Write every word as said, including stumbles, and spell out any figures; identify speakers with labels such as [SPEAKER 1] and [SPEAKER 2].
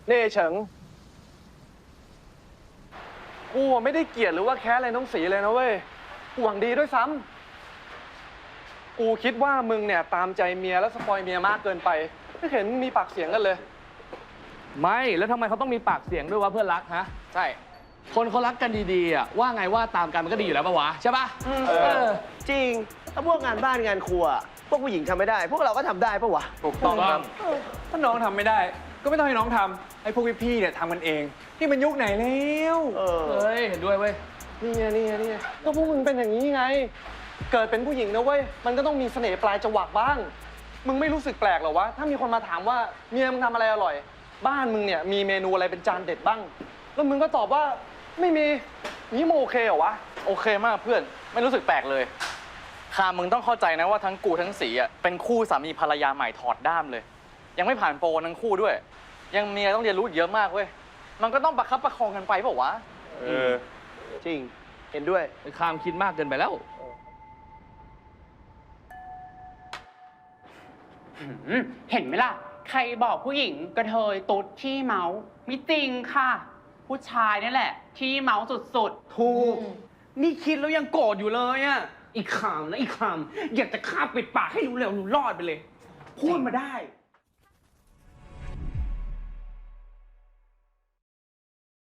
[SPEAKER 1] เน่เฉิงกูไม่ได้เกลียดหรือว่าแค้นอะไรน้องสีเลยนะเว้ยกูหวังดีด้วยซ้ำกูคิดว่ามึงเนี่ยตามใจเมียแล้วสปอยเมียมากเกินไปไม่เห็นมีปากเสียงกันเลย
[SPEAKER 2] ไม่แล้วทำไมเขาต้องมีปากเสียงด้วยวะเพื่อนรักฮะ
[SPEAKER 1] ใช่
[SPEAKER 2] คนเขารักกันดีๆอ่ะว่าไงว่าตามกันมันก็ดีอยู่แล้วปะวะใช่ปะ
[SPEAKER 1] เออ
[SPEAKER 3] จริงถ้าพวกงานบ้านงานครัวพวกผู้หญิงทำไม่ได้ พวกเราก็ทำได้ปะวะ
[SPEAKER 1] ถูกต้องครับ
[SPEAKER 4] ถ้าน้องทำไม่ได้ก็ไม่ต้องให้น้องทำไอ้พวกพี่ๆเนี่ยทำกันเองนี่มันยุคไหนแล้ว
[SPEAKER 3] เออ
[SPEAKER 2] เฮ้ยเห็นด้วยเว้ย
[SPEAKER 1] นี่ไงนี่ไงนี่ไงก็พวกมึงเป็นอย่างนี้ไงเกิดเป็นผู้หญิงนะเว้ยมันก็ต้องมีเสน่ห์ปลายจวักบ้างมึงไม่รู้สึกแปลกหรอวะถ้ามีคนมาถามว่าเมียมึงทำอะไรอร่อยบ้านมึงเนี่ยมีเมนูอะไรเป็นจานเด็ดบ้างแล้วมึงก็ตอบว่าไม่มีนี่มึงโอเคเหรอวะ
[SPEAKER 5] โอเคมากเพื่อนไม่รู้สึกแปลกเลยคามึงต้องเข้าใจนะว่าทั้งกูทั้งสีอ่ะเป็นคู่สามีภรรยาใหม่ถอดด้ามเลยยังไม่ผ่านโปรทั้งคู่ด้วยยังมีอะไรต้องเรียนรู้เยอะมากเว้ยมันก็ต้องประคับประคองกันไปเปล่าวะ
[SPEAKER 3] เออจริงเห็นด้วย
[SPEAKER 2] ไอ้คามคิดมากเกินไปแล้ว
[SPEAKER 6] เห็นไหมล่ะใครบอกผู้หญิงกระเทยตุ๊ดขี้เมาไม่จริงค่ะผู้ชายนี่แหละขี้เมาสุดๆ
[SPEAKER 7] ถูกนี่คิดแล้วยังโกรธอยู่เลยอ่ะอีกคำนะอีกคำอยากจะฆ่าปิดปากให้รู้เร็วรู้รอดไปเลยพูดมาได้